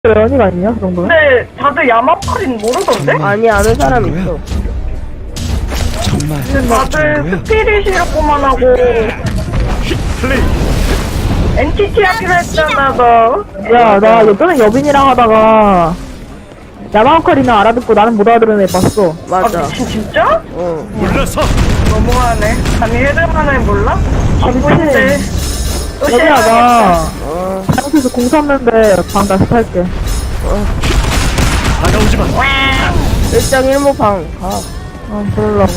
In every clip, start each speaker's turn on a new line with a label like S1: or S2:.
S1: 연이가 있냐, 그 정도면?
S2: 근데 다들 야마파린 모르던데?
S3: 아니 아는 사람 있어.
S4: 정말
S2: 근데 다들 스피릿이라고만 하고 NTT 하기로 했잖아 너.
S1: 야, 나 예전에 여빈이랑 하다가 야마오카리나 알아듣고 나는 못 알아들은 애 봤어.
S3: 맞아.
S2: 진짜?
S3: 어.
S4: 몰라서
S2: 너무하네. 아니 헤드만을 몰라?
S1: 아무튼
S2: 또
S1: 여빈아, 나
S3: 어.
S1: 잘못해서 공 샀는데 방 다시 탈게.
S4: 다가오지 마.
S3: 1.1모 방 가.
S1: 그러려고.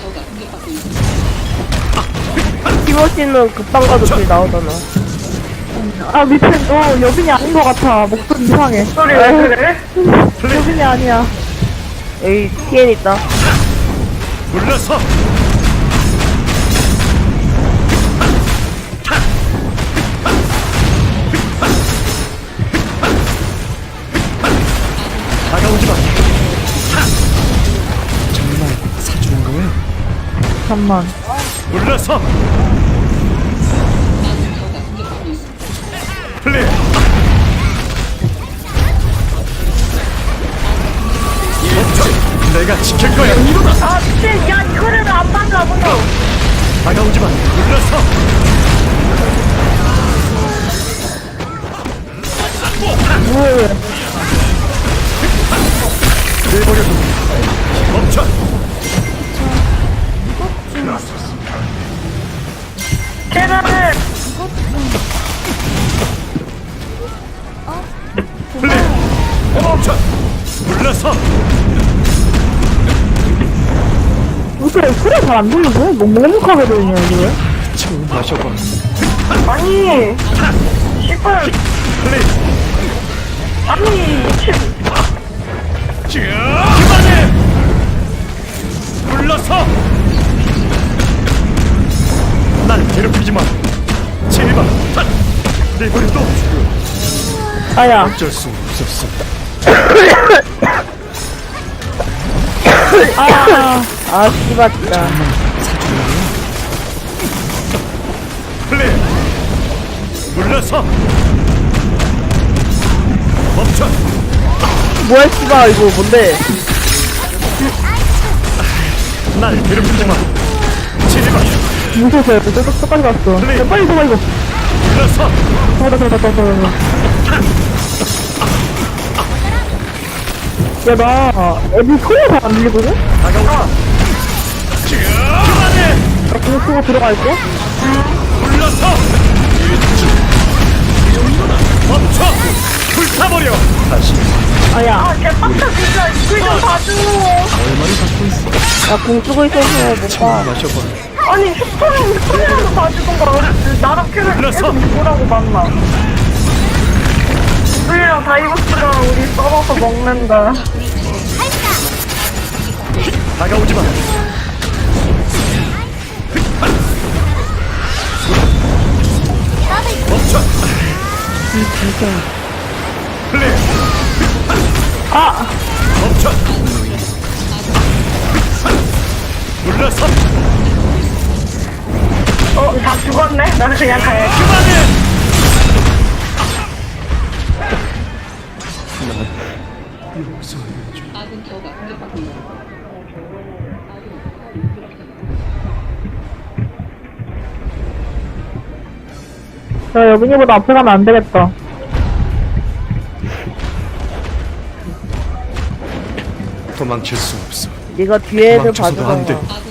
S3: 티모시는 급방 가도 길 나오잖아.
S1: 아, 미친, 너 여빈이 아닌 것 같아. 목소리 이상해.
S2: 소리 왜 그래?
S1: 여빈이 아니야.
S3: 여기 TN 있다.
S4: 몰라서 다가오지 마. 정말 사주는 거야?
S1: 잠만.
S4: 몰라서 플레이. 멈춰. 내가 지킬 거야.
S2: 아 미친. 야 이거를 왜 안 막아 너.
S4: 다가오지 마. 몰라서
S1: 왜?
S4: 내버려둬. 멈춰.
S2: 계란을
S4: 플레이. 멈춰. 몰라서
S1: 어떻게 소리가 잘 안 들리지? 뭐 묵묵하게 들리냐, 이게 왜?
S4: 처음 마셔봐.
S2: 아니 씨발
S4: 플레이.
S2: 아니 미친.
S4: 그만해. 불러서 날 괴롭히지 마. 제발. 내버려둬.
S1: 아야.
S4: 어쩔 수 없었어.
S3: 아 씨발 진짜.
S4: 플레이. 불러서 멈춰.
S3: 뭐야 씨발 이거 뭔데?
S4: 날 괴롭히지 마. 제발.
S1: 무서워서 끝까지 갔어. 야, 빨리 잡아, 이거.
S4: 불러서
S1: 잡아. 야, 나 애들 소리가 잘 안 들리거든?
S4: 다가오라. 그만해.
S1: 나 그거 쓰고 들어갈게.
S4: 불러서 멈춰. 불타버려. 다시.
S1: 아야.
S2: 아 개빡쳐 진짜. 이걸 좀 봐줘.
S4: 얼마를 갖고 있어?
S3: 나공 쓰고 있어서 못 봐.
S4: 마셔봐.
S2: 아니 휴통이라도 봐주던가. 나랑 큐를
S4: 불렀어.
S2: 계속 누구라고 만나. 우리랑 다이버스가 우리 썰어서 먹는다.
S4: 다가오지 마. 멈춰. 플레이. 멈춰. 불러서
S2: 다 죽었네? 나는 그냥 가야지.
S4: 그만해.
S1: 야, 여빈이보다 앞에 가면 안 되겠다.
S4: 도망칠 수 없어.
S3: 네가 뒤에 애들
S4: 도망쳐서도 안 돼.
S3: 봐주잖아.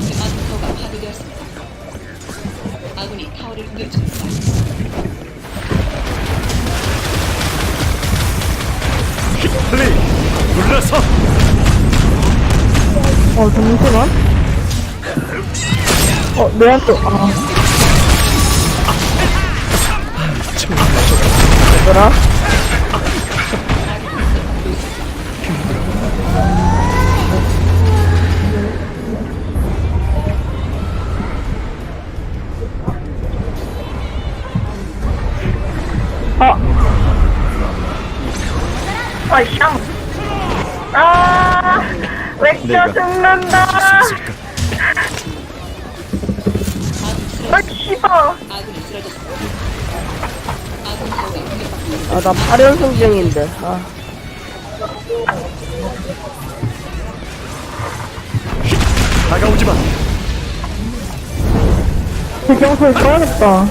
S4: 플레이. 불러서
S1: 잠시만. 내한테,
S3: 얘들아.
S2: 아, 샹. 아, 맥주
S4: 내가
S2: 죽는다.
S4: 있을까?
S2: 아, 씨발.
S3: 아, 나 8연승 중인데. 아,
S4: 다가오지 마.
S1: 배경소리 꺼야겠다.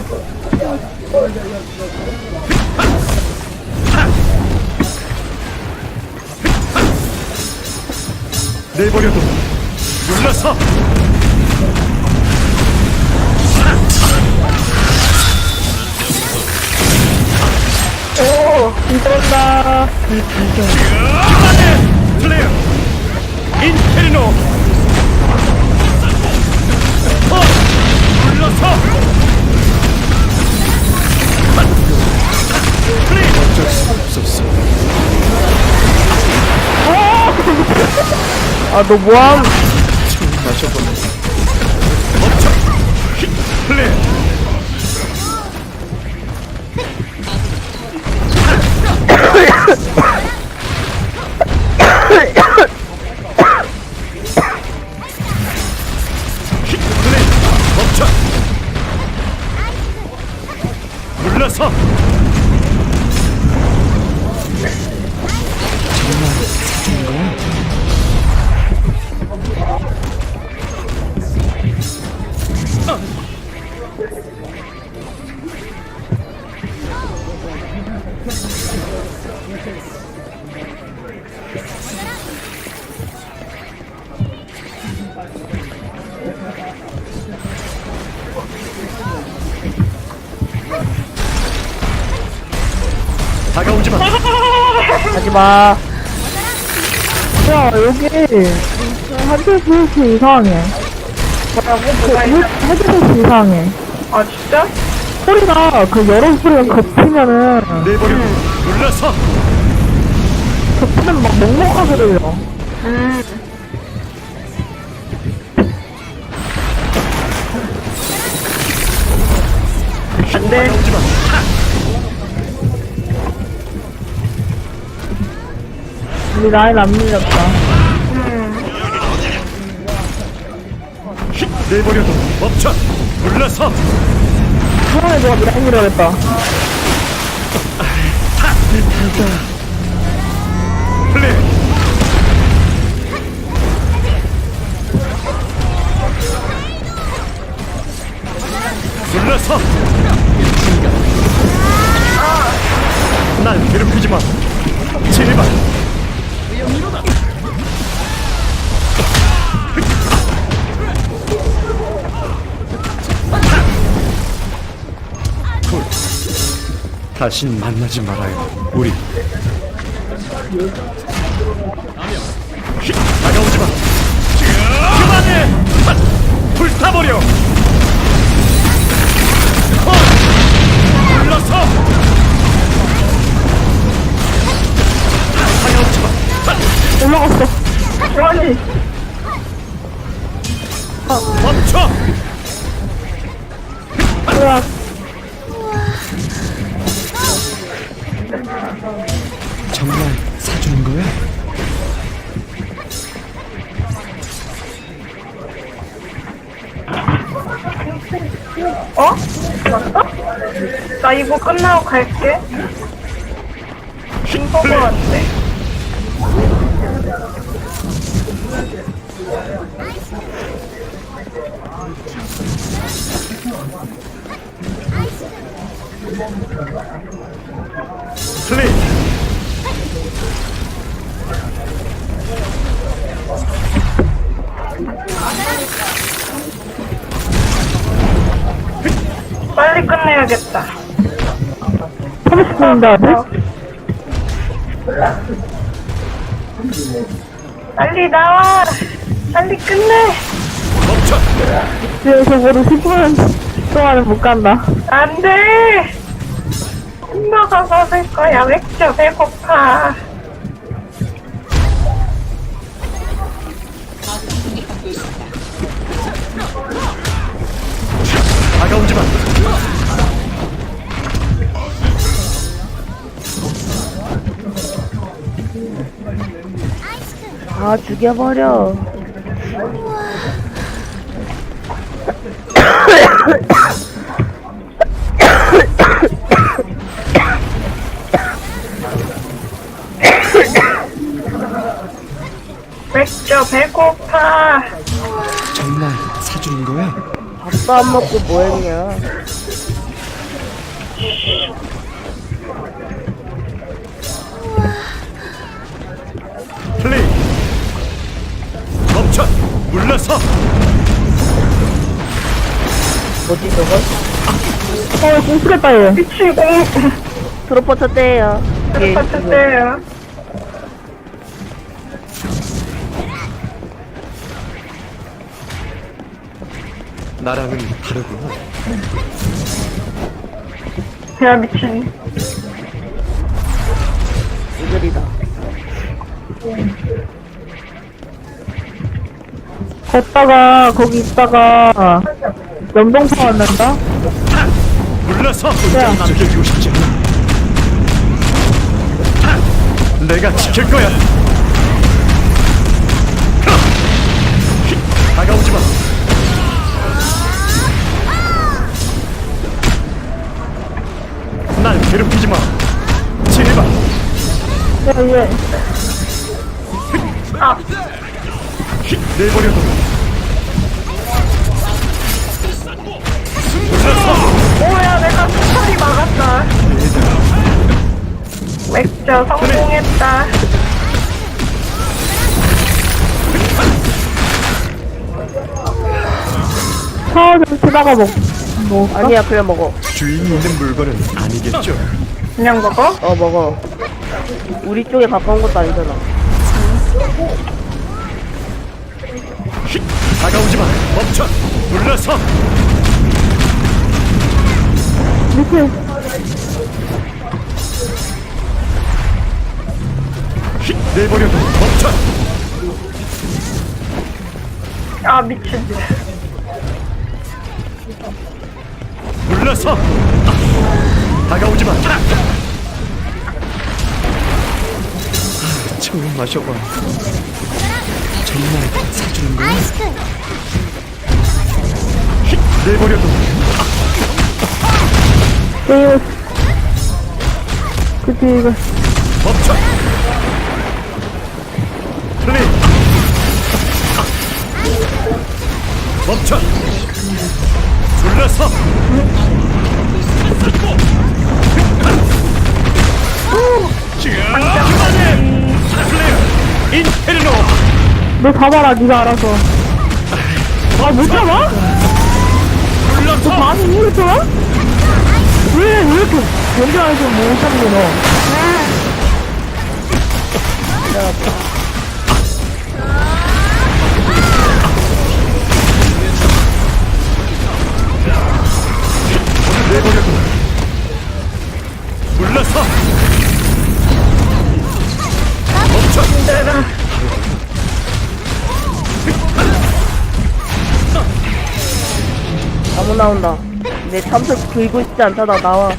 S4: 내버려둬. 물러서.
S1: 오, 이거다.
S4: 플레이어. 인페리노. 물러서. 플레이. 어쩔 수 없었어.
S3: 아, 너 뭐함?
S4: 마셔보네. 멈춰. 플레이. 플레이. 멈춰. 물러서. 다가오지 마.
S3: 하지마.
S1: 야, 여기, 한줄 스위치 이상해. 헤드셋 이상해.
S2: 아, 진짜?
S1: 소리가, 그 여러 소리가 겹치면은,
S4: 내버려. 물러서.
S1: 겹치면 막 먹먹하게 들려.
S2: 안 돼.
S4: 다가오지 마.
S1: 우리 라인 안 밀렸다.
S4: 내버려둬. 멈춰. 물러서.
S1: 사람이 누가 라인 밀어야겠다.
S4: 플레이. 물러서. 날 괴롭히지 마. 제발. 굿. 다신 만나지 말아요. 우리. 다가오지 마. 그만해. 불타버려. 불러서. 다가오지 마.
S1: 올라갔어.
S2: 아니,
S4: 멈춰.
S1: 으악.
S4: 정말 사주는 거야?
S2: 어? 맞다? 나 이거 끝나고 갈게. 빙거 같대.
S4: 플레이.
S2: 빨리 끝내야겠다.
S1: 30분인데 아직?
S2: 빨리 나와. 빨리 끝내.
S4: 멈춰.
S1: 집에서 모두 10분 동안은 못 간다.
S2: 안 돼. 엄마가 먹을 거야. 맥주 배고파.
S4: 다가오지 마.
S3: 아, 죽여버려.
S2: 맥주 배고파.
S4: 정말 사주는 거야?
S3: 밥도 안 먹고 뭐 했냐.
S4: 플레이. 멈춰. 물러서.
S3: 뭐지 저건?
S1: 공수겠다, 얘.
S2: 미치고.
S3: 트로퍼 쳤대요. 예,
S2: 같은데요.
S4: 나랑은 다르구나.
S2: 야, 미친.
S3: 이글이다.
S1: 걷다가, 거기 있다가, 연동파 왔는다?
S4: 물러서.
S1: 야.
S4: 남겨주고 싶지 않아. 내가 지킬 거야. 다가오지 마. 날 괴롭히지 마. 제발.
S1: 야, 얘.
S4: 내버려둬.
S2: 오야, 내가 스타리 막았다. 맥주 성공했다.
S1: 샤워 좀 치다가 뭐,
S3: 아니야 그냥 먹어.
S4: 주인이 있는 물건은 아니겠죠?
S2: 그냥 먹어?
S3: 어 먹어. 우리 쪽에 가까운 것도 아니잖아.
S4: 다가오지 마. 멈춰. 물러서.
S1: 밑에,
S4: 내버려둬. 멈춰.
S2: 아, 미친.
S4: 물러서. 다가오지 마. 처음 마셔봐. 정말 사주는 거야? 내버려둬.
S1: 게임, 그치, 이거.
S4: 멈춰. 플레이. 멈춰. 불러서. 그만해. 플레이. 인페르노.
S1: 너 잡아라, 니가 알아서. 아, 못 잡아? 너
S4: 불러서.
S1: 많이 이겼어? 왜 이렇게 견뎌야지 못 잡니, 너?
S4: 내버려둬. 불러서. 멈춰.
S3: 나무 나온다. 내 탐색 들고 있지 않다. 나 나와.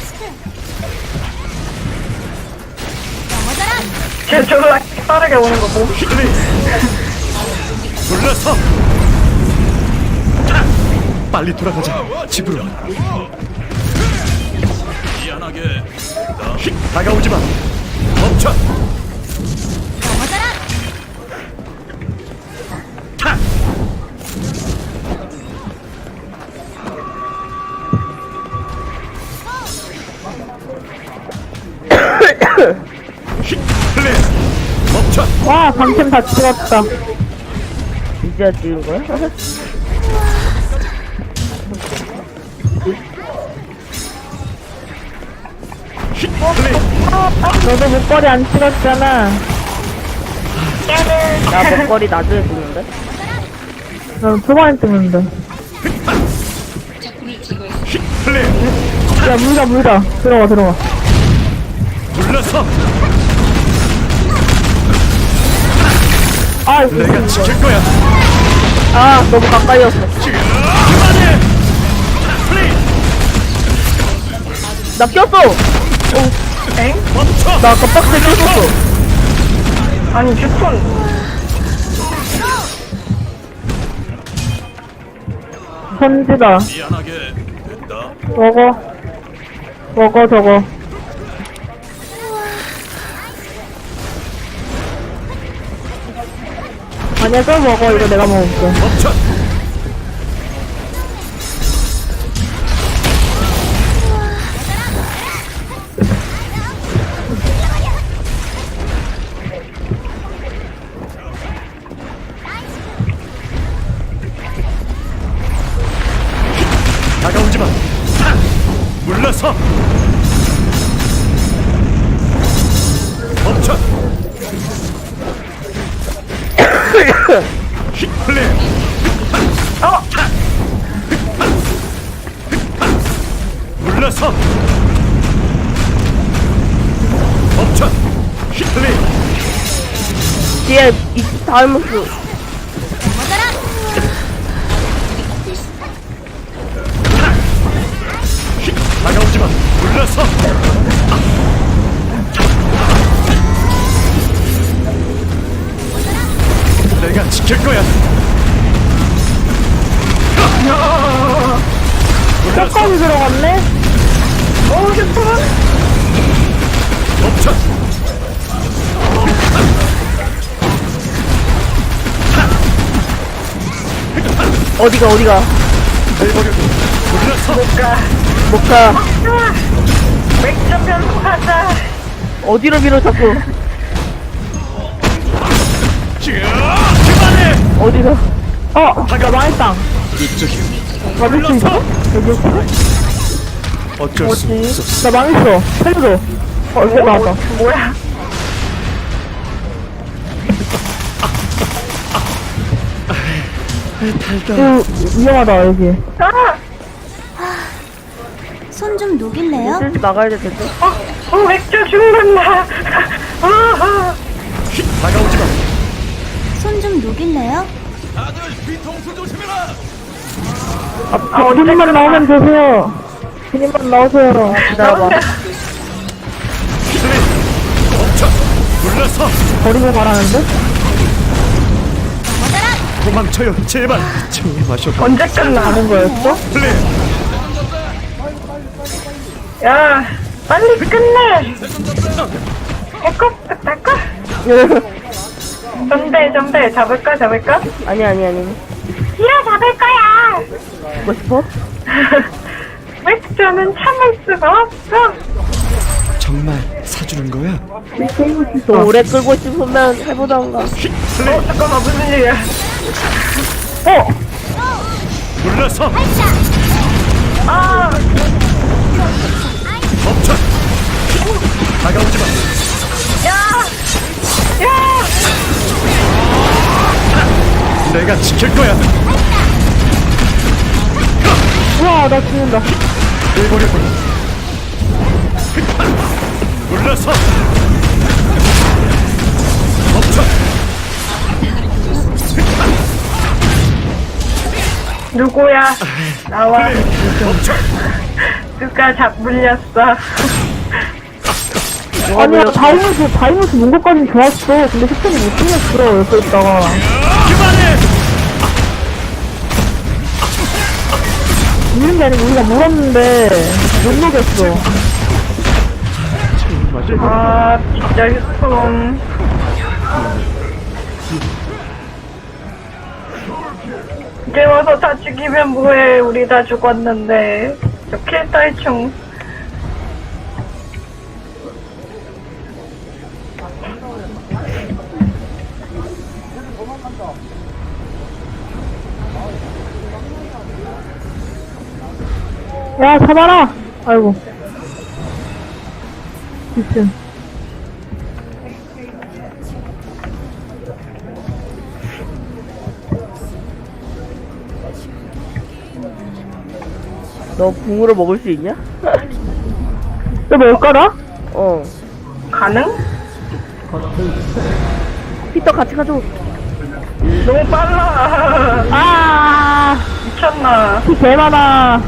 S2: 쟤 졸라 빠르게 오는 거 뭐?
S4: 플레이. 불러서. 빨리 돌아가자. 집으로. 미안하게. 다가오지 마. 멈춰. 플레이. 멈춰.
S1: 와, 방템 다 찍었다.
S3: 이제야 찍은 거야?
S4: 플레이.
S1: 너도 목걸이 안 찍었잖아.
S3: 나 먹거리 나중에 찍는데?
S1: 너 초반에 찍는데.
S4: 플레이.
S1: 야, 물다. 들어가.
S4: 불러서.
S1: 아,
S4: 내가 지킬 거야.
S3: 아 너무 가까이였어.
S4: 그만해. 플레이.
S3: 나 꼈어.
S2: 엥?
S4: 멈춰.
S3: 나 아까 박스에 꼈었어.
S2: 아니, 휴톤.
S1: 선지다.
S4: 미안하게 됐다.
S1: 먹어, 저거. 아니야, 또 먹어. 이거 내가 먹을게.
S4: 멈춰. 다가오지 마. 물러서. 멈춰. 플레이. 물러서. 멈춰. 플레이.
S3: 뒤에 이 다이모스.
S4: 다가오지 마. 물러서. 내가 지킬 거야. 물러서.
S1: 끝까지 들어갔네?
S4: 멈춰.
S3: 어디가.
S4: 물러서.
S3: 못 가.
S2: 맥주 편도 가자.
S3: 어디로 밀어, 자꾸.
S4: 그만해.
S3: 어디가.
S1: 나 망했다.
S4: 이쪽이.
S1: 맞을 수 있어? 여기 있어?
S4: 어쩔 수 없어.
S1: 나 망했어. 살려줘. 이거 나왔다.
S2: 뭐야?
S1: 이거 위험하다, 여기.
S2: 아!
S5: 손 좀 녹일래요?
S3: 슬슬 나가야 될 텐데.
S2: 맥주 죽는다. 아,
S4: 다가오지 마.
S5: 손 좀 녹일래요?
S1: 주님만 나오면 되세요. 주님만 나오세요.
S3: 기다려봐.
S4: 플레이. 멈춰. 물러서.
S1: 버리고 가라는데?
S4: 도망쳐요. 제발. 마셔.
S2: 언제 끝나?
S1: 가는 거였어?
S4: 플레이.
S2: 야, 빨리 끝내. 할까? 전배, 잡을까?
S3: 아니.
S2: 야, 잡을 거야.
S3: 먹고 싶어?
S2: 맥주는 참을 수가 없어.
S4: 정말 사주는 거야?
S3: 더 오래 끌고 싶으면 해보던가.
S4: 플레이.
S2: 잠깐만, 무슨 일이야?
S4: 물러서.
S2: 아,
S4: 멈춰. 다가오지 마.
S2: 야,
S4: 내가 지킬 거야.
S1: 우와, 나 죽는다.
S4: 내버려둬. 물러서. 멈춰.
S2: 누구야? 나와.
S4: 멈춰.
S2: 누가 물렸어.
S1: 아니야, 다이모스 문 것까진 좋았어. 근데 식품이 못 챙겼어, 옆에 있다가.
S4: 그만해.
S1: 물린 게 아니고 우리가 물었는데, 못 녹였어.
S2: 아, 진짜 휴통. 이제 와서 다 죽이면 뭐해. 우리 다 죽었는데. 저 킬딸총.
S1: 야, 잡아라! 아이고. 미친.
S3: 너 붕으로 먹을 수 있냐?
S1: 너 뭘까라?
S3: 어.
S2: 가능?
S3: 피터 같이 가줘.
S2: 너무 빨라.
S1: 아,
S2: 미쳤나.
S1: 피 개 많아.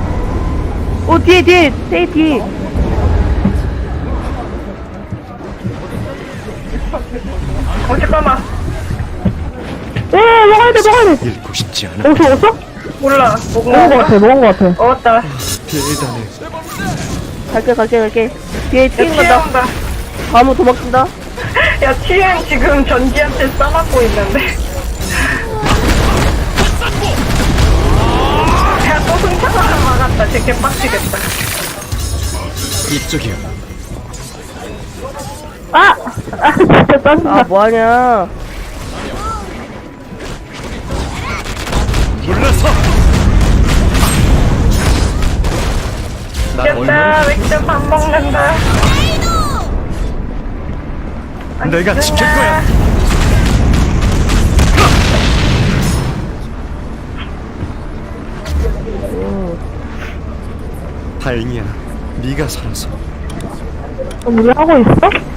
S3: 뒤에, 세이 뒤에.
S2: 잠깐만.
S1: 먹어야 돼.
S4: 잃고 싶지 않아.
S1: 먹었어?
S2: 몰라.
S1: 먹은 거 같아.
S2: 먹었다.
S4: 대단해.
S3: 갈게. 뒤에
S2: 야,
S3: 튀는
S2: TN
S3: 간다.
S2: 온다.
S3: 다음은 도망친다.
S2: 야, TN 지금 전지한테 싸맞고 있는데. 괜찮아. 막았다. 되게 빡치겠다.
S4: 이쪽이요.
S1: 아! 아, 진짜 짜증나.
S3: 아 뭐하냐.
S4: 물러서. 난 얼마나
S2: 됐다. 윈터 밥 먹는다.
S4: 내가 지킬 거야. 다행이야. 네가 살아서.
S1: 우리 하고 있어?